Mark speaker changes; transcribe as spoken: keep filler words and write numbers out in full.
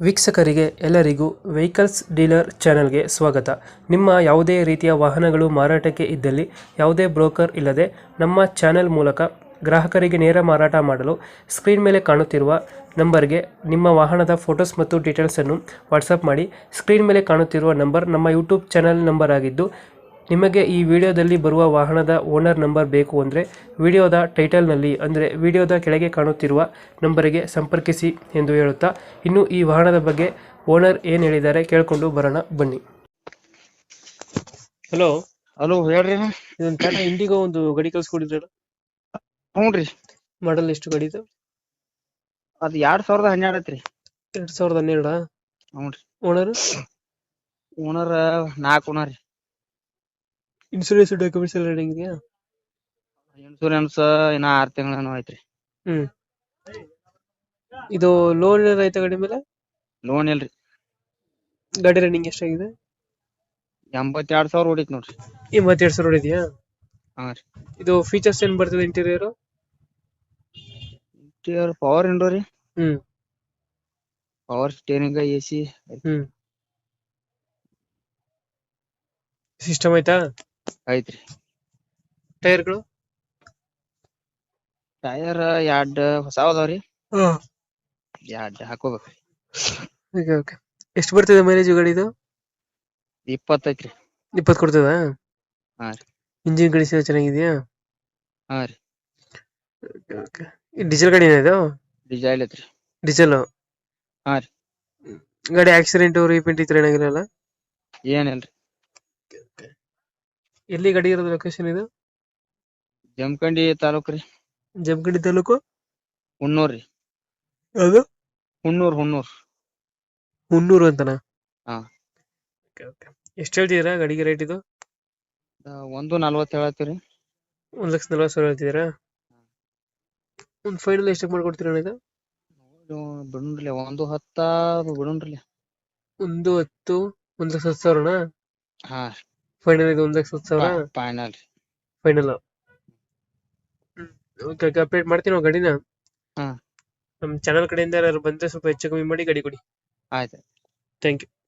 Speaker 1: ವೀಕ್ಷಕರಿಗೆ ಎಲ್ಲರಿಗೂ vehicles dealer ಚಾನೆಲ್ಗೆ ಸ್ವಾಗತ. ನಿಮ್ಮ ಯಾವುದೇ ರೀತಿಯ ವಾಹನಗಳು ಮಾರಾಟಕ್ಕೆ ಇದ್ದಲ್ಲಿ ಯಾವುದೇ ಬ್ರೋಕರ್ ಇಲ್ಲದೆ ನಮ್ಮ ಚಾನೆಲ್ ಮೂಲಕ ಗ್ರಾಹಕರಿಗೆ ನೇರ ಮಾರಾಟ ಮಾಡಲು ಸ್ಕ್ರೀನ್ ಮೇಲೆ ಕಾಣುತ್ತಿರುವ ನಂಬರ್ಗೆ ನಿಮ್ಮ ವಾಹನದ ಫೋಟೋಸ್ ಮತ್ತು ಡೀಟೇಲ್ಸನ್ನು ವಾಟ್ಸಪ್ ಮಾಡಿ. ಸ್ಕ್ರೀನ್ ಮೇಲೆ ಕಾಣುತ್ತಿರುವ ನಂಬರ್ ನಮ್ಮ ಯೂಟ್ಯೂಬ್ ಚಾನೆಲ್ ನಂಬರ್ ಆಗಿದ್ದು, ನಿಮಗೆ ಈ ವಿಡಿಯೋದಲ್ಲಿ ಬರುವ ವಾಹನದ ಓನರ್ ನಂಬರ್ ಬೇಕು ಅಂದರೆ ವಿಡಿಯೋದ ಟೈಟಲ್ನಲ್ಲಿ ಅಂದರೆ ವಿಡಿಯೋದ ಕೆಳಗೆ ಕಾಣುತ್ತಿರುವ ನಂಬರಿಗೆ ಸಂಪರ್ಕಿಸಿ ಎಂದು ಹೇಳುತ್ತಾ, ಇನ್ನು ಈ ವಾಹನದ ಬಗ್ಗೆ ಓನರ್ ಏನು ಹೇಳಿದ್ದಾರೆ ಕೇಳಿಕೊಂಡು ಬರೋಣ ಬನ್ನಿ. ಹಲೋ
Speaker 2: ಹಲೋ ಹೇಳ್ರಿ.
Speaker 1: ಇದೊಂದು ಟಾಟಾ ಇಂಡಿಗೋ ಒಂದು ಗಾಡಿ ಕಳ್ಸ್ಕೊಡಿದ್ರಲ್ಲ,
Speaker 2: ಹ್ಞೂ ರೀ.
Speaker 1: ಮಾಡಲ್ ಎಷ್ಟು ಗಾಡಿ ಇದು?
Speaker 2: ಅದ್ ಎರಡ್ ಸಾವಿರದ ಹನ್ನೆರಡು ಐತ್ರಿ.
Speaker 1: ಎರಡ್ ಸಾವಿರದ ಹನ್ನೆರಡ
Speaker 2: ಹ್ಞೂ ರೀ.
Speaker 1: ಓನರ್
Speaker 2: ಓನರ್ ನಾಲ್ಕು ಓನರ್ ರೀ.
Speaker 1: ಇನ್ಸೂರೆನ್ಸ್ ಡಾಕ್ಯುಮೆಂಟ್ಸ್ ಎಲ್ಲ ರೆಡಿ ಇದೆಯಾ?
Speaker 2: ಇನ್ಸೂರೆನ್ಸ್ ಇನ್ನ ಆರ್ ತಿಂಗಳೇನೋ ಐತ್ರಿ.
Speaker 1: ಹ್ಮ್ ಇದು ಲೋನ್ ರೈತ ಗಾಡಿ ಮೇಲೆ?
Speaker 2: ಲೋನ್ ಇಲ್ರಿ.
Speaker 1: ಗಾಡಿ ರನ್ನಿಂಗ್ ಎಷ್ಟಾಗಿದೆ?
Speaker 2: ಎಂಬತ್ತೆರಡು ಸಾವಿರ ಹೊಡಿತ್ ನೋಡ್ರಿ.
Speaker 1: ಎಂಬತ್ತೆರಡು ಸಾವಿರ ಇದೆಯಾ?
Speaker 2: ಹಾ ರೀ.
Speaker 1: ಇದು ಫೀಚರ್ಸ್ ಏನ್ ಬರ್ತದೆ ಇಂಟೀರಿಯರ್?
Speaker 2: ಇಂಟೀರಿಯರ್ ಪವರ್ ವಿಂಡೋ ರೀ.
Speaker 1: Hmm
Speaker 2: power steering, A C
Speaker 1: hmm system ಆಯ್ತಾ?
Speaker 2: ಐತ್ರಿ.
Speaker 1: ಟೈರ್ಗಳು?
Speaker 2: ಟೈರ್ ಎರಡ್ ಹೊಸ ಅದಾವ್ರಿ. ಎರಡ್ ಹಾಕೋಬೇಕ್ರಿ.
Speaker 1: Okay okay. ಎಷ್ಟು ಬರ್ತದೆ ಮೈಲೇಜ್ ಗಾಡಿದು?
Speaker 2: ಇಪ್ಪತ್ತೈತ್ರಿ.
Speaker 1: ಇಪ್ಪತ್ತು ಕೊಡ್ತದ?
Speaker 2: ಹಾ ರೀ.
Speaker 1: ಇಂಜಿನ್ ಕಂಡೀಷನ್ ಚೆನ್ನಾಗಿದೆಯಾ?
Speaker 2: ಹಾ ರೀ.
Speaker 1: ಓಕೆ. ಡೀಸೆಲ್ ಗಾಡಿನ ಇದು?
Speaker 2: ಡಿಸೈಲ್ ಐತ್ರಿ.
Speaker 1: ಡೀಸೆಲ್?
Speaker 2: ಹಾ ರೀ.
Speaker 1: ಗಾಡಿ ಆಕ್ಸಿಡೆಂಟ್ ರೀಪೇಂಟ್ ಇತ್ರ ಏನಾಗಿರಲ್ಲ?
Speaker 2: ಏನಿಲ್ರಿ.
Speaker 1: ಎಲ್ಲಿ ಗಾಡಿ ಇರೋದು ಲೊಕೇಶನ್ ಇದು?
Speaker 2: ಜಮಖಂಡಿ ತಾಲೂಕ್ ರೀ.
Speaker 1: ಜಮಖಂಡಿ ತಾಲೂಕು?
Speaker 2: ಹುಣ್ಣೂರ್ ರೀ.
Speaker 1: ಅದು
Speaker 2: ಹುಣ್ಣೂರ್ ಹುಣ್ಣೂರ್
Speaker 1: ಹುಣ್ಣೂರು ಅಂತನಾ?
Speaker 2: ಹಾ.
Speaker 1: ಎಷ್ಟು ಹೇಳ್ತಿದ್ದೀರಾ ಗಾಡಿಗೆ ರೇಟ್ ಇದು?
Speaker 2: ಒಂದು ನಲ್ವತ್ತು ಹೇಳತ್ತೀರಿ.
Speaker 1: ಒಂದ್ ಲಕ್ಷ ನಲ್ವತ್ತು ಸಾವಿರ ಹೇಳ್ತಿದ್ದೀರಾ? ಒಂದು ಫೈನಲ್ ಎಷ್ಟಕ್ಕೆ ಮಾಡ್ಕೊಡ್ತೀರಾ ಇದು?
Speaker 2: ಬಿಡುನ್ರಿ ಒಂದು ಹತ್ತ ಬಿಡುನ್ರಿ.
Speaker 1: ಒಂದು ಹತ್ತು ಒಂದ್ ಲಕ್ಷ ಹತ್ತು ಸಾವಿರನಾ?
Speaker 2: ಹಾ.
Speaker 1: ಫೈನಲ್ ಇದು ಒಂದ್ ಲಕ್ಷ ಹತ್ತು ಸಾವಿರ
Speaker 2: ಫೈನಲ್ ರೀ.
Speaker 1: ಫೈನಲ್. ಓಕೆ ಓಕೆ, ಅಪ್ಡೇಟ್ ಮಾಡ್ತೀನಿ ನಾವು ಗಾಡಿನ.
Speaker 2: ಹಾ.
Speaker 1: ನಮ್ಮ ಚಾನಲ್ ಕಡೆಯಿಂದ ಯಾರು ಬಂದ್ರೆ ಸ್ವಲ್ಪ ಹೆಚ್ಚು ಕಮ್ಮಿ ಮಾಡಿ ಗಾಡಿ ಕೊಡಿ.
Speaker 2: ಆಯ್ತು.
Speaker 1: Thank you.